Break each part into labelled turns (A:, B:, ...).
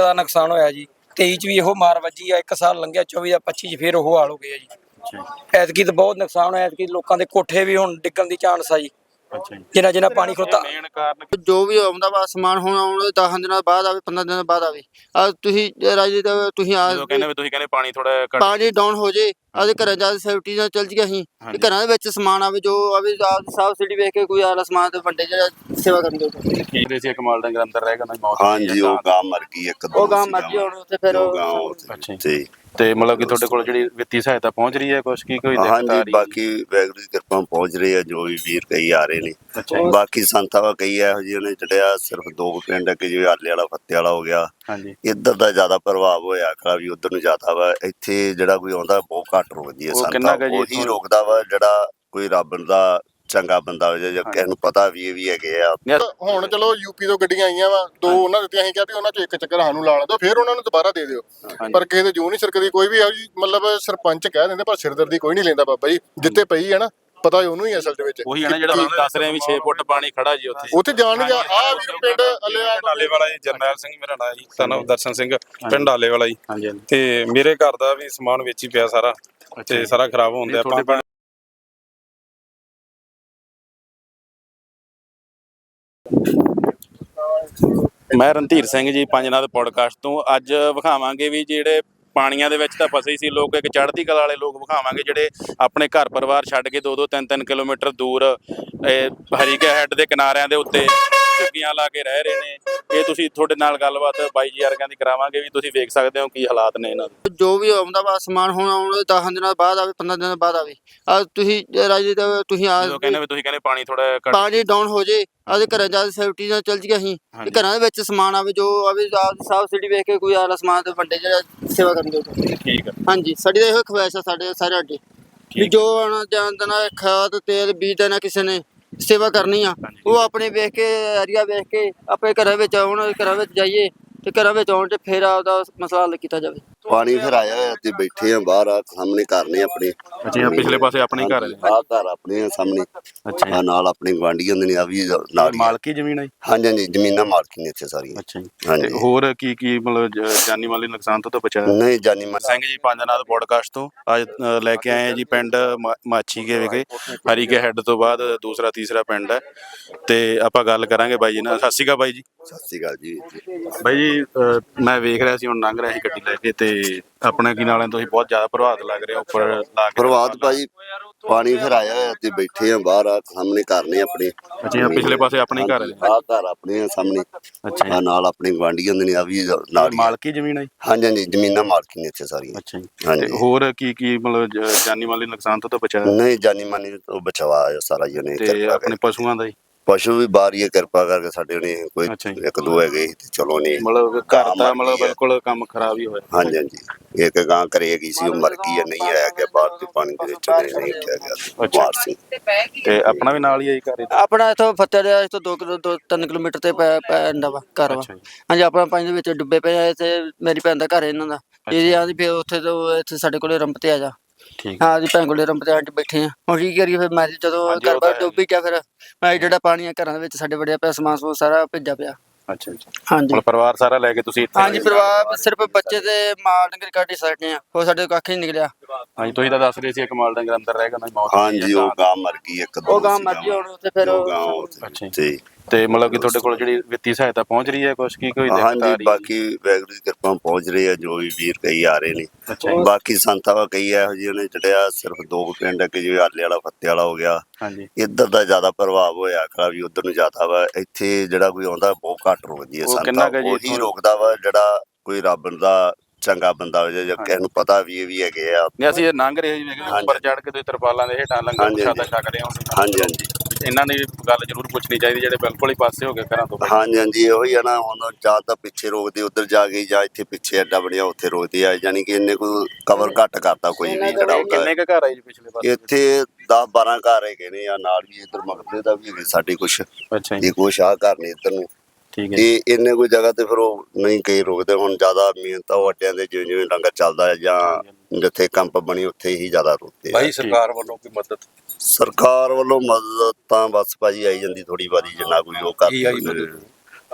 A: ਜ਼ਿਆਦਾ ਨੁਕਸਾਨ ਹੋਇਆ ਜੀ। 23 ਚ ਵੀ ਇਹੋ ਮਾਰ ਵੱਜੀ ਆ, 1 ਸਾਲ ਲੰਘਿਆ 24 ਦਾ 25 ਚ ਫਿਰ ਉਹ ਹਾਲ ਹੋ ਗਿਆ ਜੀ। ਐਤਕੀ ਤਾਂ ਬਹੁਤ ਨੁਕਸਾਨ ਹੋਇਆ। ਐਤਕੀ ਲੋਕਾਂ ਦੇ ਕੋਠੇ ਵੀ ਹੁਣ ਡਿੱਗਣ ਦੀ ਚਾਂਸ ਆ ਜੀ। ਜਿੰਨਾ ਜਿੰਨਾ ਪਾਣੀ ਖਲੋਤਾ।
B: ਮੇਨ ਕਾਰਨ
C: ਜੋ ਵੀ ਆਉਂਦਾ ਵਾ ਸਮਾਨ ਹੁਣ ਆਉਣ 10 ਦਿਨਾਂ ਬਾਅਦ ਆਵੇ, 15 ਦਿਨਾਂ ਬਾਅਦ ਆਵੇ। ਆ ਤੁਸੀਂ ਰਾਜੀ ਤੁਸੀਂ ਆ
B: ਜਦੋਂ ਕਹਿੰਦੇ ਪਾਣੀ ਥੋੜਾ ਘੱਟ
C: ਪਾਣੀ ਡਾਊਨ ਹੋ ਜੇ ਆਦੇ ਘਰਾਂ ਜਾ ਸੇਫਟੀ ਨਾਲ ਚੱਲ ਜੀ। ਅਸੀਂ ਘਰਾਂ ਦੇ ਵਿੱਚ ਸਮਾਨ ਆਵੇ, ਜੋ ਆਵੇ ਸਾਫ ਸਿਟੀ ਵੇਖ ਕੇ ਕੋਈ ਆਲਾ ਸਮਾਨ ਤੇ ਵੰਡੇ ਜਿਹੜਾ ਸੇਵਾ ਕਰਨ ਦੇ
B: ਕੀ ਸੀ ਕਮਾਲ ਡੰਗਰ ਅੰਦਰ ਰਹਿ ਗਿਆ ਮੌਤ
D: ਹਾਂਜੀ ਉਹ ਗਾਂ ਮਰ ਗਈ ਇੱਕ ਦੋ
C: ਉਹ ਗਾਂ ਮਰ ਗਈ ਹੁਣ ਉੱਥੇ ਫਿਰ
B: ਅੱਛਾ
D: ਤੇ
B: ਤੇ ਮਤਲਬ ਕਿ ਤੁਹਾਡੇ ਕੋਲ ਜਿਹੜੀ ਵਿੱਤੀ ਸਹਾਇਤਾ ਪਹੁੰਚ ਰਹੀ ਹੈ ਕੁਛ ਕੀ ਕੋਈ ਦਿੱਕਤ ਆ
D: ਹਾਂਜੀ
B: ਰਹੀ
D: ਬਾਕੀ ਵੈਗਰੂ ਦੀ ਕਿਰਪਾ ਪਹੁੰਚ ਰਹੀ ਹੈ। ਜੋ ਵੀ ਵੀਰ ਕਈ ਆ ਰਹੇ ਨੇ।
B: ਅੱਛਾ
D: ਬਾਕੀ ਸੰਤਾਂ ਕਈ ਇਹੋ ਜਿਹੇ ਨੇ ਚੜਿਆ ਸਿਰਫ 2 ਪਿੰਡ ਕਿ ਜਿਵੇਂ ਆਲੇ ਵਾਲਾ ਫੱਤੇ ਵਾਲਾ ਹੋ ਗਿਆ।
B: ਹਾਂਜੀ
D: ਇੱਧਰ ਦਾ ਜ਼ਿਆਦਾ ਪ੍ਰਭਾਵ ਹੋਇਆ ਖਰਾ ਵੀ ਉਧਰ ਨੂੰ ਜ਼ਿਆਦਾ ਵਾ। ਇੱਥੇ ਜਿਹੜਾ ਕੋਈ ਆਉਂਦਾ ਬਹੁਤ ਘੱਟ ਰੁਕਦੀ ਹੈ ਸੰਤਾਂ। ਉਹੀ ਰੁਕਦਾ ਵਾ ਜਿਹੜਾ ਕੋਈ ਰੱਬ ਦਾ ਚੰਗਾ ਬੰਦਾ ਹੋ ਜਾਂ ਕਿਸੇ ਨੂੰ ਪਤਾ ਵੀ ਇਹ ਵੀ ਹੈਗੇ ਆ।
E: ਹੁਣ ਚਲੋ ਯੂਪੀ ਤੋਂ ਗੱਡੀਆਂ ਆਈਆਂ ਵਾ, 2 ਉਹਨਾਂ ਦਿੱਤੀਆਂ। ਅਸੀਂ ਕਿਹਾ ਵੀ ਉਹਨਾਂ ਚੋਂ ਇੱਕ ਚੱਕਰ ਸਾਨੂੰ ਲਾ ਦਿਓ, ਫਿਰ ਉਹਨਾਂ ਨੂੰ ਦੁਬਾਰਾ ਦੇ ਦਿਓ। ਪਰ ਕਿਸੇ ਦੇ ਜੂ ਨਹੀਂ ਸਰਕਦੀ ਕੋਈ ਵੀ। ਮਤਲਬ ਸਰਪੰਚ ਕਹਿ ਦਿੰਦੇ ਪਰ ਸਿਰਦਰਦੀ ਕੋਈ ਨਹੀਂ ਲੈਂਦਾ। ਬਾਬਾ ਜੀ ਜਿੱਤੇ ਪਈ ਹੈ ਨਾ, ਪਤਾ ਉਹਨੂੰ ਹੀ ਅਸਲ ਦੇ ਵਿੱਚ।
B: ਉਹੀ ਹੈ ਨਾ ਜਿਹੜਾ ਤੁਸੀਂ ਦੱਸ ਰਹੇ ਵੀ 6 ਫੁੱਟ ਪਾਣੀ ਖੜਾ ਜੀ
E: ਉੱਥੇ ਜਾਣ ਨਹੀਂ ਆ ਵੀ ਪਿੰਡ
F: ਆਲੇ ਵਾਲਾ ਜੀ। ਜਰਨੈਲ ਸਿੰਘ ਮੇਰਾ ਨਾਂ ਜੀ, ਸਾਨੂੰ ਦਰਸ਼ਨ ਸਿੰਘ ਪਿੰਡ ਆਲੇ ਵਾਲਾ ਜੀ।
B: ਹਾਂਜੀ
F: ਤੇ ਮੇਰੇ ਘਰ ਦਾ ਵੀ ਸਮਾਨ ਵਿੱਚ ਹੀ ਪਿਆ ਸਾਰਾ, ਤੇ ਸਾਰਾ ਖਰਾਬ ਹੋਣ ਦਿਆ।
B: ਮੈਂ ਰਣਧੀਰ ਸਿੰਘ ਜੀ, ਪੰਜਨਾਦ ਪੋਡਕਾਸਟ ਤੋਂ। ਅੱਜ ਵਿਖਾਵਾਂਗੇ ਵੀ ਜਿਹੜੇ ਪਾਣੀਆਂ ਦੇ ਵਿੱਚ ਤਾਂ ਫਸੇ ਹੀ ਸੀ ਲੋਕ, ਇੱਕ ਚੜ੍ਹਦੀ ਕਲਾ ਵਾਲੇ ਲੋਕ ਵਿਖਾਵਾਂਗੇ ਜਿਹੜੇ ਆਪਣੇ ਘਰ ਪਰਿਵਾਰ ਛੱਡ ਕੇ 2-2 3-3 ਕਿਲੋਮੀਟਰ ਦੂਰ ਹਰੀਕੇ ਹੈੱਡ ਦੇ ਕਿਨਾਰਿਆਂ ਦੇ ਉੱਤੇ ਝੁੱਗੀਆਂ ਲਾ ਕੇ ਰਹਿ ਰਹੇ ਨੇ। ਇਹ ਤੁਸੀਂ ਤੁਹਾਡੇ ਨਾਲ ਗੱਲਬਾਤ ਬਾਈ ਜੀ ਵਰਗਿਆਂ ਦੀ ਕਰਾਵਾਂਗੇ ਵੀ ਤੁਸੀਂ ਵੇਖ ਸਕਦੇ ਹੋ ਕੀ ਹਾਲਾਤ ਨੇ ਇਹਨਾਂ ਦੇ।
C: ਜੋ ਵੀ ਆਉਂਦਾ ਵਾ ਸਮਾਨ ਹੁਣ ਆਉਣ 10 ਦਿਨਾਂ ਬਾਅਦ ਆਵੇ, 15 ਦਿਨਾਂ ਬਾਅਦ ਆਵੇ। ਆ ਤੁਸੀਂ ਰਾਜੀ ਤੁਸੀਂ ਆ
B: ਜਦੋਂ ਕਹਿੰਦੇ ਪਾਣੀ ਥੋੜਾ ਘੱਟ
C: ਪਾਣੀ ਡਾਊਨ ਹੋ ਜੇ ਆਦੇ ਘਰਾਂ ਜਾ ਸੇਫਟੀ ਨਾਲ ਚੱਲ ਜੀ। ਅਸੀਂ ਘਰਾਂ ਦੇ ਵਿੱਚ ਸਮਾਨ ਆਵੇ, ਜੋ ਆਵੇ ਸਾਫ ਸਿਟੀ ਵੇਖ ਕੇ ਕੋਈ ਆਲਾ ਸਮਾਨ ਤੇ ਵੰਡੇ ਜਿਹੜਾ ਸੇਵਾ ਕਰਨ ਦੇ।
B: ਠੀਕ ਹੈ
C: ਹਾਂਜੀ ਸਾਡੀ ਤਾਂ ਇਹੋ ਖਵਾਇਸ਼ ਆ ਸਾਡੇ ਸਾਰੇ ਅੱਡੇ ਵੀ ਜੋ ਆਉਣਾ ਜਾਂਦਾ ਨਾ ਖਾਦ ਤੇਲ ਬੀਜ ਦੇਣਾ ਕਿਸੇ ਨੇ ਸੇਵਾ ਕਰਨੀ ਆ, ਉਹ ਆਪਣੇ ਵੇਖ ਕੇ ਏਰੀਆ ਵੇਖ ਕੇ ਆਪਣੇ ਘਰਾਂ ਵਿੱਚ ਆਉਣ, ਘਰਾਂ ਵਿੱਚ ਜਾਈਏ ਤੇ ਘਰਾਂ ਵਿੱਚ ਆਉਣ ਤੇ ਫਿਰ ਆਪਦਾ ਮਸਲਾ ਹੱਲ ਕੀਤਾ ਜਾਵੇ।
D: ਪਾਣੀ ਫਿਰ ਆਇਆ ਹੋਇਆ ਤੇ ਬੈਠੇ ਆ ਬਾਹਰ ਆ ਸਾਹਮਣੇ ਘਰ ਨੇ ਆਪਣੇ।
B: ਅੱਛਾ ਪਿਛਲੇ ਪਾਸੇ ਆਪਣੇ ਘਰ
D: ਆ ਘਰ ਆਪਣੇ ਆ ਸਾਹਮਣੇ।
B: ਅੱਛਾ
D: ਨਾਲ ਆਪਣੇ ਗੁਆਂਢੀਆਂ ਦੇ ਨੇ ਆ ਵੀ ਨਾਲ
B: ਮਾਲਕੀ ਜ਼ਮੀਨ ਹੈ।
D: ਹਾਂਜੀ ਹਾਂਜੀ ਜ਼ਮੀਨਾਂ ਮਾਲਕੀ ਨੇ ਇੱਥੇ ਸਾਰੀਆਂ।
B: ਅੱਛਾ ਜੀ
D: ਹਾਂਜੀ
B: ਹੋਰ ਕੀ ਮਤਲਬ ਜਾਨੀ ਮਾਲੀ ਨੁਕਸਾਨ ਤੋਂ ਬਚਾਇਆ
D: ਨਹੀਂ ਜਾਨੀ
B: ਸਿੰਘ ਜੀ ਪੰਜਨਾਦ ਪੋਡਕਾਸਟ ਤੋਂ ਅੱਜ ਲੈ ਕੇ ਆਏ ਆ ਜੀ ਪਿੰਡ ਮਾਛੀਕੇ ਵਿਖੇ। ਹਰੀਕੇ ਹੈੱਡ ਤੋਂ ਬਾਅਦ ਦੂਸਰਾ ਤੀਸਰਾ ਪਿੰਡ ਹੈ ਤੇ ਆਪਾਂ ਗੱਲ ਕਰਾਂਗੇ ਬਾਈ ਜੀ ਨਾਲ। ਸਤਿ ਸ਼੍ਰੀ ਅਕਾਲ ਬਾਈ ਜੀ।
D: ਸਤਿ ਸ਼੍ਰੀ ਅਕਾਲ ਜੀ।
B: ਬਾਈ ਜੀ ਮੈਂ ਵੇਖ ਰਿਹਾ ਸੀ ਹੁਣ ਲੰਘ ਰਿਹਾ ਸੀ ਗੱਡੀ ਲੈ ਕੇ ਤੇ ਆਪਣੇ ਕੀ ਨਾਲੇ ਤੁਸੀਂ ਬਹੁਤ ਜ਼ਿਆਦਾ ਪ੍ਰਭਾਵਿਤ ਲੱਗ ਰਹੇ ਹੋ ਉੱਪਰ ਲਾ ਕੇ।
D: ਪ੍ਰਭਾਤ ਭਾਜੀ ਪਾਣੀ ਫਿਰ ਆਇਆ ਹੋਇਆ ਤੇ ਬੈਠੇ ਆ ਬਾਹਰ ਆ ਸਾਹਮਣੇ ਘਰ ਨੇ ਆਪਣੇ।
B: ਅੱਛਾ ਪਿਛਲੇ ਪਾਸੇ ਆਪਣੇ ਘਰ
D: ਆ ਘਰ ਆਪਣੇ ਆ ਸਾਹਮਣੇ।
B: ਅੱਛਾ
D: ਨਾਲ ਆਪਣੇ ਗੁਆਂਢੀਆਂ ਦੇ ਨੇ ਆ ਵੀ ਨਾਲ
B: ਮਾਲਕੀ ਜ਼ਮੀਨ ਹੈ।
D: ਹਾਂਜੀ ਹਾਂਜੀ ਜ਼ਮੀਨਾਂ ਮਾਲਕੀ ਨੇ ਇੱਥੇ ਸਾਰੀਆਂ।
B: ਅੱਛਾ ਜੀ
D: ਹਾਂਜੀ
B: ਹੋਰ ਕੀ ਮਤਲਬ ਜਾਨੀ ਮਾਲੀ ਨੁਕਸਾਨ ਤੋਂ ਬਚਾਇਆ
D: ਨਹੀਂ ਜਾਨੀ ਮਾਨੀ ਤੋਂ ਬਚਾਵਾ ਆ ਸਾਰਾ ਜੀ ਨੇ।
B: ਤੇ ਆਪਣੇ ਪਸ਼ੂਆਂ ਦਾ ਹੀ
D: ਪਸ਼ੂ ਵੀ ਬਾਹਰ ਹੀ ਕਿਰਪਾ ਕਰਕੇ ਸਾਡੇ ਨੇ ਕੋਈ 1-2 ਹੈਗੇ ਤੇ ਚਲੋ ਨਹੀਂ
B: ਮਤਲਬ ਘਰ ਦਾ ਮਤਲਬ ਬਿਲਕੁਲ ਕੰਮ ਖਰਾਬ ਹੀ ਹੋਇਆ।
D: ਹਾਂਜੀ ਹਾਂਜੀ ਇੱਕ ਗਾਂ ਘਰੇ ਹੈਗੀ ਸੀ ਉਹ ਮਰ ਗਈ ਹੈ, ਨਹੀਂ ਆਇਆ ਗਿਆ ਬਾਹਰ ਦੇ ਪਾਣੀ ਦੇ ਵਿੱਚ ਨਹੀਂ ਉੱਠਿਆ ਗਿਆ ਬਾਹਰ ਸੀ।
B: ਤੇ ਆਪਣਾ ਵੀ ਨਾਲ ਹੀ ਆਈ ਘਰ
C: ਆਪਣਾ ਇੱਥੋਂ ਫੱਤੇ ਦੇ ਇਸ ਤੋਂ 2-3 ਕਿਲੋਮੀਟਰ ਤੇ ਪੈਂਦਾ ਵਾ ਘਰ ਵਾ। ਹਾਂਜੀ ਆਪਣਾ ਪਾਣੀ ਦੇ ਵਿੱਚ ਡੁੱਬੇ ਪਏ ਆ ਤੇ ਮੇਰੀ ਭੈਣ ਦਾ ਘਰ ਇਹਨਾਂ ਦਾ। ਇਹ ਆਦੀ ਫਿਰ ਉੱਥੇ ਤੋਂ ਇੱਥੇ ਸਾਡੇ ਕੋਲੇ ਰੰਪ ਤੇ ਆ ਜਾ। ਹਾਂ ਜੀ ਭੈਣ ਕੋਲੇ ਰੰਪ ਤੇ ਆਂਟੀ ਬੈਠੇ ਆ। ਹੁਣ ਕੀ ਕਰੀਏ ਫਿਰ ਮੈਂ ਜਦੋਂ ਘਰ ਬਾਹਰ ਡੁੱਬ ਗਿਆ ਫਿਰ ਮੈਂ ਜਿਹੜਾ ਪਾਣੀ ਆ ਘਰਾਂ ਦੇ ਵਿੱਚ ਸਾਡੇ ਵੜਿਆ ਪਿਆ ਸਮਾਨ ਸਮੂਨ ਸਾਰਾ ਭਿੱਜਾ ਪਿਆ।
B: ਅੱਛਾ ਅੱਛਾ
C: ਹਾਂਜੀ
B: ਪਰਿਵਾਰ ਸਾਰਾ ਲੈ ਕੇ ਤੁਸੀਂ ਇੱਥੇ?
C: ਹਾਂਜੀ ਪਰਿਵਾਰ ਸਿਰਫ ਬੱਚੇ ਤੇ ਮਾਲ ਡੰਗਰ ਕੱਢ ਹੀ ਸਕਦੇ ਆ, ਹੋਰ ਸਾਡੇ ਕੱਖ ਨਹੀਂ ਨਿਕਲਿਆ।
B: ਹਾਂਜੀ ਤੁਸੀਂ ਤਾਂ ਦੱਸ ਰਹੇ ਸੀ ਇੱਕ ਮਾਲ ਡੰਗਰ ਅੰਦਰ ਰਹਿ ਗਿਆ ਮੌਤ।
D: ਹਾਂਜੀ ਉਹ ਗਾਂ ਮਰ ਗਈ ਇੱਕ ਦੋ।
C: ਉਹ ਗਾਂ ਮਰ ਗਈ ਹੁਣ ਉੱਥੇ ਫਿਰ।
B: ਅੱਛਾ ਜੀ ਤੇ ਮਤਲਬ ਕਿ ਤੁਹਾਡੇ ਕੋਲ ਜਿਹੜੀ ਵਿੱਤੀ ਸਹਾਇਤਾ ਪਹੁੰਚ ਰਹੀ ਹੈ ਕੁਛ ਕੀ ਕੋਈ ਦਿੱਕਤ ਆ ਰਹੀ?
D: ਹਾਂਜੀ ਬਾਕੀ ਵੈਗਰੂ ਦੀ ਕਿਰਪਾ ਪਹੁੰਚ ਰਹੀ ਹੈ। ਜੋ ਵੀ ਵੀਰ ਕਈ ਆ ਰਹੇ ਨੇ। ਬਾਕੀ ਸੰਤਾਂ ਕਈ ਇਹੋ ਜਿਹੇ ਨੇ ਚੜਿਆ ਸਿਰਫ 2 ਪਿੰਡ ਕਿ ਜਿਵੇਂ ਆਲੇ ਵਾਲਾ ਫੱਤੇ ਵਾਲਾ ਹੋ ਗਿਆ।
B: ਹਾਂਜੀ
D: ਇੱਧਰ ਦਾ ਜ਼ਿਆਦਾ ਪ੍ਰਭਾਵ ਹੋਇਆ ਖਰਾ ਵੀ ਉਧਰ ਨੂੰ ਜ਼ਿਆਦਾ ਵਾ। ਇੱਥੇ ਜਿਹੜਾ ਕੋਈ ਆਉਂਦਾ ਬਹੁਤ ਘੱਟ ਰੁਕਦੀ ਹੈ ਸੰਤਾਂ। ਉਹੀ ਰੁਕਦਾ ਵਾ ਜਿਹੜਾ ਕੋਈ ਰੱਬ ਦਾ ਚੰਗਾ ਬੰਦਾ ਹੋ ਜਾਂ ਕਿਸੇ ਨੂੰ ਪਤਾ ਵੀ ਇਹ ਵੀ ਹੈਗੇ ਆ।
B: ਅਸੀਂ ਲੰਘ ਰਹੇ ਜੀ ਉੱਪਰ ਚੜ ਕੇ ਤੁਸੀਂ ਤਰਪਾਲਾਂ ਦੇ ਹੇਠਾਂ ਲੰਗਰ ਪ੍ਰਸ਼ਾਦਾ ਛਕ ਰਹੇ ਹੋ।
D: ਹਾਂਜੀ ਹਾਂਜੀ
B: ਇਹਨਾਂ ਦੀ ਗੱਲ ਜ਼ਰੂਰ ਪੁੱਛਣੀ ਚਾਹੀਦੀ ਜਿਹੜੇ ਬਿਲਕੁਲ ਹੀ ਪਾਸੇ ਹੋ ਗਏ ਘਰਾਂ ਤੋਂ।
D: ਹਾਂਜੀ ਹਾਂਜੀ ਇਹੋ ਹੀ ਆ ਨਾ। ਹੁਣ ਜਾਂ ਤਾਂ ਪਿੱਛੇ ਰੋਕਦੇ ਉੱਧਰ ਜਾ ਕੇ ਜਾਂ ਇੱਥੇ ਪਿੱਛੇ ਅੱਡਾ ਬਣਿਆ ਉੱਥੇ ਰੋਕਦੇ ਆ। ਯਾਨੀ ਕਿ ਇਹਨੇ ਕੋਈ ਕਵਰ ਘੱਟ ਕਰਤਾ ਕੋਈ ਵੀ ਜਿਹੜਾ ਹੁੰਦਾ।
B: ਕਿੰਨੇ ਕੁ ਘਰ ਆਏ ਜੀ ਪਿਛਲੇ ਪਾਸੇ?
D: ਇੱਥੇ 10-12 ਘਰ ਹੈਗੇ ਨੇ ਆ ਨਾਲ ਵੀ ਇੱਧਰ ਮਕਬਰੇ ਦਾ ਵੀ ਹੈਗੇ ਸਾਡੇ ਕੁਛ।
B: ਅੱਛਾ ਜੀ
D: ਇਹ ਕੁਛ ਆ ਘਰ ਨੇ ਇੱਧਰ ਨੂੰ।
B: ਠੀਕ ਹੈ
D: ਤੇ ਇੰਨੇ ਕੋਈ ਜਗ੍ਹਾ ਤੇ ਫਿਰ ਉਹ ਨਹੀਂ ਕਈ ਰੁਕਦੇ। ਹੁਣ ਜ਼ਿਆਦਾ ਮਿਹਨਤ ਉਹ ਅੱਡਿਆਂ ਦੇ ਜਿਵੇਂ ਜਿਵੇਂ ਲੰਗਰ ਚੱਲਦਾ ਹੈ ਜਾਂ ਜਿੱਥੇ ਕੰਪ ਬਣੀ ਉੱਥੇ ਹੀ ਜ਼ਿਆਦਾ ਰੁਕਦੇ।
F: ਭਾਈ ਸਰਕਾਰ ਵੱਲੋਂ ਕੋਈ ਮਦਦ?
D: ਸਰਕਾਰ ਵੱਲੋਂ ਮਦਦ ਤਾਂ ਬਸ ਭਾਜੀ ਆਈ ਜਾਂਦੀ ਥੋੜੀ ਬਾਰੀ ਜਿੰਨਾ ਕੋਈ ਉਹ ਕਰ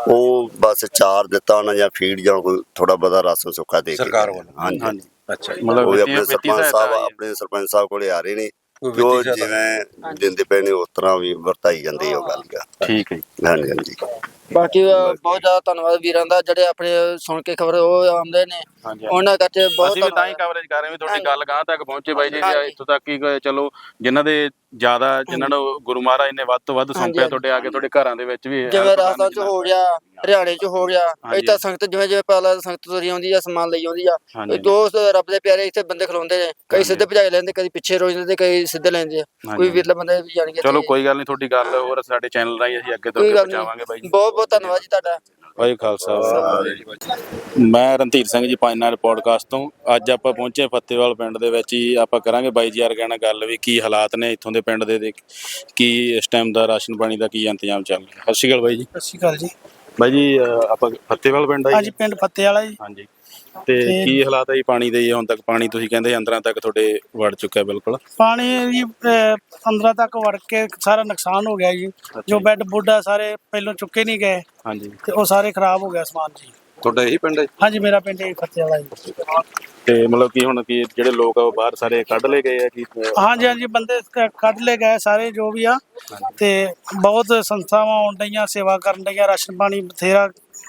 D: ਉਹ ਬਸ ਚਾਰ ਦਿੱਤਾ ਉਹਨਾਂ ਜਾਂ ਫੀਡ ਜਾਂ ਕੋਈ ਥੋੜਾ ਬਹੁਤਾ ਰਾਸ਼ਨ ਸੁੱਕਾ ਦੇ ਕੇ
F: ਸਰਕਾਰ
D: ਗਏ।
F: ਵੱਲੋਂ।
D: ਹਾਂਜੀ
B: ਅੱਛਾ ਜੀ,
D: ਉਹ
B: ਮਤਲਬ
D: ਵੀ
B: ਵਿੱਤੀ
D: ਆਪਣੇ ਸਰਪੰਚ
B: ਸਹਾਇਤਾ
D: ਸਾਹਿਬ
B: ਆਈ ਹੈ।
D: ਆਪਣੇ ਸਰਪੰਚ ਸਾਹਿਬ ਕੋਲੇ ਆ ਰਹੇ ਨੇ
F: ਕੋਈ
D: ਜੋ
F: ਵਿੱਤੀ ਸਹਾਇਤਾ।
D: ਜਿਵੇਂ ਦਿੰਦੇ ਪਏ ਨੇ ਉਸ ਤਰ੍ਹਾਂ ਵੀ ਵਰਤਾਈ ਜਾਂਦੀ ਉਹ ਗੱਲ ਗਾ।
B: ਠੀਕ ਹੈ ਜੀ।
D: ਹਾਂਜੀ ਹਾਂਜੀ
C: ਬਾਕੀ ਬਹੁਤ ਜ਼ਿਆਦਾ ਧੰਨਵਾਦ ਵੀਰਾਂ ਦਾ ਜਿਹੜੇ ਆਪਣੇ ਸੁਣ ਕੇ ਖਬਰ ਉਹ ਆਉਂਦੇ ਨੇ
B: ਹਾਂਜੀ।
C: ਉਹਨਾਂ ਕਰਕੇ ਬਹੁਤ
B: ਅਸੀਂ ਵੀ ਤਾਂ ਹੀ
C: ਧੰਨਵਾਦ।
B: ਕਵਰੇਜ ਕਰ ਰਹੇ ਹਾਂ ਵੀ ਤੁਹਾਡੀ
C: ਹਾਂਜੀ।
B: ਗੱਲ ਗਾਂ ਤੱਕ ਪਹੁੰਚੇ ਬਾਈ ਜੀ
C: ਹਾਂਜੀ।
B: ਇੱਥੋਂ ਤੱਕ ਕਿ ਚਲੋ ਜਿਨ੍ਹਾਂ ਦੇ ਜ਼ਿਆਦਾ ਜਿਨ੍ਹਾਂ ਨੂੰ ਗੁਰੂ ਮਹਾਰਾਜ ਨੇ ਵੱਧ ਤੋਂ ਵੱਧ ਸੌਂਪਿਆ
C: ਹਾਂਜੀ।
B: ਤੁਹਾਡੇ ਆ ਕੇ ਤੁਹਾਡੇ ਘਰਾਂ ਦੇ ਵਿੱਚ ਵੀ
C: ਜਿਵੇਂ
B: help ਕਰਨ
C: ਰਾਜਸਥਾਨ ਚ
B: ਜਿੰਨਾ-
C: ਹੋ ਗਿਆ, ਹਰਿਆਣੇ ਚ ਹੋ ਗਿਆ,
B: ਹਾਂਜੀ।
C: ਇੱਥੇ ਸੰਗਤ ਜਿਵੇਂ ਜਿਵੇਂ ਪਹਿਲਾਂ ਸੰਗਤ ਤੁਰੀ ਆਉਂਦੀ ਆ ਸਮਾਨ ਲਈ ਆਉਂਦੀ ਆ
B: ਹਾਂਜੀ।
C: ਦੋਸਤ ਰੱਬ ਦੇ ਪਿਆਰੇ ਇੱਥੇ ਬੰਦੇ ਖਲੋਂਦੇ ਨੇ ਕਈ
B: ਹਾਂਜੀ।
C: ਸਿੱਧੇ ਭਜਾਈ ਲੈਂਦੇ ਕਦੀ ਪਿੱਛੇ ਰੋਈ ਜਾਂਦੇ ਕਈ ਸਿੱਧੇ ਲੈਂਦੇ ਆ ਕੋਈ
B: ਹਾਂਜੀ।
C: ਵਿਰਲੇ ਬੰਦੇ ਵੀ ਜਾਣਗੇ
B: ਚਲੋ ਕੋਈ ਗੱਲ ਨਹੀਂ, ਤੁਹਾਡੀ ਗੱਲ ਹੋਰ ਸਾਡੇ ਚੈਨਲ ਰਾਹੀਂ ਅਸੀਂ ਅੱਗੇ ਤੋਂ
C: ਕੋਈ
B: ਅੱਗੇ
C: ਗੱਲ
B: ਪਹੁੰਚਾਵਾਂਗੇ ਬਾਈ
C: ਨਹੀਂ।
B: ਜੀ।
C: ਬਹੁਤ ਬਹੁਤ ਧੰਨਵਾਦ ਜੀ ਤੁਹਾਡਾ।
B: ਵਾਹਿਗੁਰੂ ਖਾਲਸਾ। ਮੈਂ ਰਣਧੀਰ ਸਿੰਘ ਜੀ ਪੰਜ ਨਾਲ ਪੋਡਕਾਸਟ ਤੋਂ ਅੱਜ ਆਪਾਂ ਪਹੁੰਚੇ ਫਤਿਹਵਾਲ ਪਿੰਡ ਦੇ ਵਿੱਚ ਹੀ ਆਪਾਂ ਕਰਾਂਗੇ ਬਾਈ ਜੀ ਵਰਗਿਆਂ ਨਾਲ ਗੱਲ ਵੀ ਕੀ ਹਾਲਾਤ ਨੇ ਇੱਥੋਂ ਦੇ ਪਿੰਡ ਦੇ ਕੀ ਇਸ ਟਾਈਮ ਦਾ ਰਾਸ਼ਨ ਪਾਣੀ ਦਾ ਕੀ ਇੰਤਜ਼ਾਮ ਚੱਲ ਰਿਹਾ। ਸਤਿ ਸ਼੍ਰੀ ਅਕਾਲ ਬਾਈ ਜੀ।
G: ਸਤਿ ਸ਼੍ਰੀ ਅਕਾਲ ਜੀ।
B: ਬਾਈ ਜੀ ਆਪਾਂ ਫਤਿਹਵਾਲ ਪਿੰਡ ਆ
G: ਹਾਂਜੀ
B: ਜੀ।
G: ਪਿੰਡ ਫੱਤੇ ਵਾਲਾ ਜੀ।
B: ਹਾਂਜੀ ਤੇ ਕੀ ਹਾਲਾਤ ਹੈ ਜੀ ਪਾਣੀ ਦੇ ਜੀ? ਹੁਣ ਤੱਕ ਪਾਣੀ ਤੁਸੀਂ ਕਹਿੰਦੇ ਅੰਦਰਾਂ ਤੱਕ ਤੁਹਾਡੇ ਵੜ ਚੁੱਕਿਆ ਬਿਲਕੁਲ।
G: ਪਾਣੀ ਜੀ ਅੰਦਰਾਂ ਤੱਕ ਵੜ ਕੇ ਸਾਰਾ ਨੁਕਸਾਨ ਹੋ ਗਿਆ ਜੀ। ਜੋ ਬੈੱਡ ਬੁੱਡ ਆ ਸਾਰੇ ਪਹਿਲੋਂ ਚੁੱਕੇ ਨਹੀਂ ਗਏ
B: ਹਾਂਜੀ
G: ਤੇ ਉਹ ਸਾਰੇ ਖਰਾਬ ਹੋ ਗਿਆ ਸਮਾਨ ਜੀ।
F: ਤੁਹਾਡਾ ਇਹੀ ਪਿੰਡ ਹੈ?
G: ਹਾਂਜੀ ਮੇਰਾ ਪਿੰਡ ਇਹ ਫੱਤੇ ਵਾਲਾ ਜੀ।
B: ਤੇ ਮਤਲਬ ਕੀ ਹੁਣ ਕੀ ਜਿਹੜੇ ਲੋਕ ਆ ਉਹ ਬਾਹਰ ਸਾਰੇ ਕੱਢ ਲਏ ਗਏ ਆ ਕੀ?
G: ਹਾਂਜੀ ਹਾਂਜੀ ਬੰਦੇ ਕੱਢ ਲਏ ਗਏ ਸਾਰੇ ਜੋ ਵੀ ਆ ਤੇ ਬਹੁਤ ਸੰਸਥਾਵਾਂ ਆਉਣ ਡਈਆਂ ਸੇਵਾ ਕਰਨ ਡਈਆਂ ਰਾਸ਼ਨ ਪਾਣੀ ਬਥੇਰਾ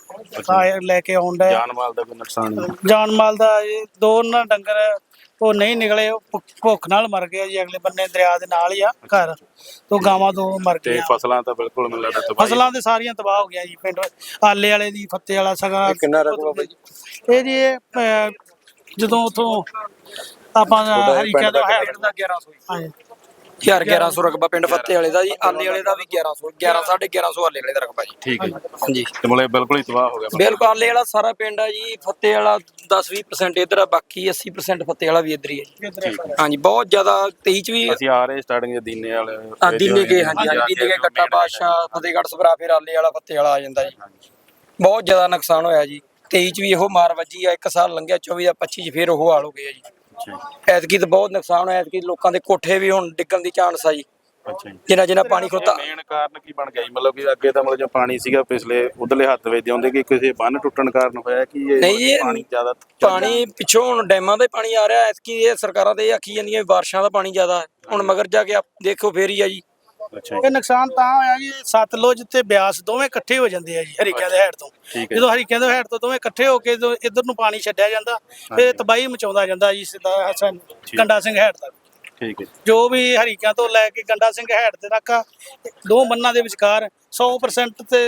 G: ਲੈ ਕੇ ਆਉਣ ਡਏ।
B: ਜਾਨ ਮਾਲ ਦਾ ਕੋਈ ਨੁਕਸਾਨ ਨਹੀਂ?
G: ਜਾਨ ਮਾਲ ਦਾ ਇਹ ਦੋ ਨਾ ਡੰਗਰ ਉਹ ਨਹੀਂ ਨਿਕਲੇ ਉਹ ਭੁੱਖ ਨਾਲ ਮਰ ਗਏ ਜੀ। ਅਗਲੇ ਬੰਨੇ ਦਰਿਆ ਦੇ ਨਾਲ ਹੀ ਆ ਘਰ ਤੋਂ ਗਾਵਾਂ ਦੋ ਮਰ
B: ਤੇ
G: ਗਈਆਂ।
B: ਫਸਲਾਂ ਤਾਂ ਬਿਲਕੁਲ ਮੈਨੂੰ ਲੱਗਦਾ ਤਬਾਹੀ।
G: ਫਸਲਾਂ ਤੇ ਸਾਰੀਆਂ ਤਬਾਹ ਹੋ ਗਈਆਂ ਜੀ। ਪਿੰਡ ਆਲੇ ਵਾਲੇ ਦੀ ਫੱਤੇ ਵਾਲਾ ਸਗਾ
F: ਇਹ ਕਿੰਨਾ ਰਕਬਾ ਬਾਈ ਜੀ?
G: ਇਹ ਜੀ ਜਦੋਂ ਉਥੋਂ ਆਪਾਂ ਹਰੀਕਿਆਂ ਦਾ ਹੈ 1100 ਹਾਂਜੀ
A: 1100 ਰਕਬਾ ਪਿੰਡ ਫੱਤੇ ਵਾਲੇ ਦਾ ਜੀ। ਆਲੇ ਵਾਲੇ ਦਾ ਵੀ 1100 1150 ਆਲੇ ਵਾਲੇ ਦਾ ਰਕਬਾ ਜੀ।
B: ਠੀਕ ਹੈ ਜੀ।
A: ਹਾਂਜੀ
B: ਤੇ ਮਤਲਬ ਬਿਲਕੁਲ ਹੀ ਤਬਾਹ ਹੋ ਗਿਆ।
A: ਬਿਲਕੁਲ ਆਲੇ ਵਾਲਾ ਸਾਰਾ ਪਿੰਡ ਆ ਜੀ। ਫੱਤੇ ਵਾਲਾ 10-20% ਇੱਧਰ ਆ, ਬਾਕੀ 80% ਫੱਤੇ ਵਾਲਾ ਵੀ ਇੱਧਰ ਹੀ ਹੈ ਜੀ। ਹਾਂਜੀ ਬਹੁਤ ਜ਼ਿਆਦਾ 23 ਚ ਵੀ
B: ਅਸੀਂ ਆ ਰਹੇ ਸਟਾਰਟਿੰਗ ਦੇ ਦੀਨੇ ਵਾਲੇ
A: ਦੀਨੇ ਕੇ ਹਾਂਜੀ ਹਾਂਜੀ ਦੀਨੇ ਕੇ ਗੱਟਾ ਬਾਦਸ਼ਾਹ ਫਤਿਹਗੜ੍ਹ ਸਭਰਾ ਫਿਰ ਆਲੇ ਵਾਲਾ ਫੱਤੇ ਵਾਲਾ ਆ ਜਾਂਦਾ ਜੀ। ਬਹੁਤ ਜ਼ਿਆਦਾ ਨੁਕਸਾਨ ਹੋਇਆ ਜੀ। 23 ਚ ਵੀ ਇਹੋ ਮਾਰ ਵੱਜੀ ਆ। ਇੱਕ ਸਾਲ ਲੰਘਿਆ 24 ਜਾਂ 25 ਚ ਫਿਰ ਉਹ ਹਾਲ ਹੋ ਗਿਆ ਜੀ। ਐਤਕੀ ਤਾਂ ਬਹੁਤ ਨੁਕਸਾਨ ਹੋਇਆ। ਐਤਕੀ ਲੋਕਾਂ ਦੇ ਕੋਠੇ ਵੀ ਹੁਣ ਡਿੱਗਣ ਦੀ ਚਾਂਸ ਆ ਜੀ।
B: ਅੱਛਾ ਜੀ।
A: ਜਿੰਨਾ ਪਾਣੀ ਖੋਤਾ।
B: ਮੇਨ ਕਾਰਨ ਕੀ ਬਣ ਗਿਆ ਜੀ? ਮਤਲਬ ਕਿ ਅੱਗੇ ਤਾਂ ਮਤਲਬ ਜੋ ਪਾਣੀ ਸੀਗਾ ਪਿਛਲੇ ਉਧਰਲੇ ਹੱਥ ਵਿੱਚ ਆਉਂਦੇ ਕਿ ਕਿਸੇ ਬੰਨ ਟੁੱਟਣ ਕਾਰਨ ਹੋਇਆ ਕਿ ਇਹ
A: ਨਹੀਂ ਜੀ,
B: ਪਾਣੀ ਜ਼ਿਆਦਾ
A: ਪਾਣੀ ਪਿੱਛੋਂ ਹੁਣ ਡੈਮਾਂ ਦਾ ਪਾਣੀ ਆ ਰਿਹਾ। ਐਤਕੀ ਇਹ ਸਰਕਾਰਾਂ ਤੇ ਇਹ ਆਖੀ ਜਾਂਦੀਆਂ ਵੀ ਬਾਰਿਸ਼ਾਂ ਦਾ ਪਾਣੀ ਜ਼ਿਆਦਾ ਹੈ। ਹੁਣ ਮਗਰ ਜਾ ਕੇ ਦੇਖੋ ਫੇਰ ਹੀ ਆ ਜੀ।
B: ਅੱਛਾ
G: ਇਹ ਨੁਕਸਾਨ ਤਾਂ ਹੋਇਆ ਜੀ ਸਤਲੁਜ ਤੇ ਬਿਆਸ ਦੋਵੇਂ ਇਕੱਠੇ ਹੋ ਜਾਂਦੇ ਆ ਜੀ ਹਰੀਕਿਆਂ ਦੇ ਹੈਡ ਤੋਂ।
B: ਠੀਕ ਹੈ।
G: ਜਦੋਂ ਹਰੀਕਿਆਂ ਦੇ ਹੈਡ ਤੋਂ ਦੋਵੇਂ ਇਕੱਠੇ ਹੋ ਕੇ ਜਦੋਂ ਇੱਧਰ ਨੂੰ ਪਾਣੀ ਛੱਡਿਆ ਜਾਂਦਾ ਫਿਰ ਤਬਾਹੀ ਮਚਾਉਂਦਾ ਜਾਂਦਾ ਜੀ ਸਿੱਧਾ ਗੰਡਾ ਸਿੰਘ ਹੈਡ ਤੱਕ।
B: ਠੀਕ ਹੈ।
G: ਜੋ ਵੀ ਹਰੀਕਿਆਂ ਤੋਂ ਲੈ ਕੇ ਗੰਡਾ ਸਿੰਘ ਹੈਡ ਦੇ ਤੱਕ ਦੋ ਬੰਨਾਂ ਦੇ ਵਿਚਕਾਰ 100% ਤੇ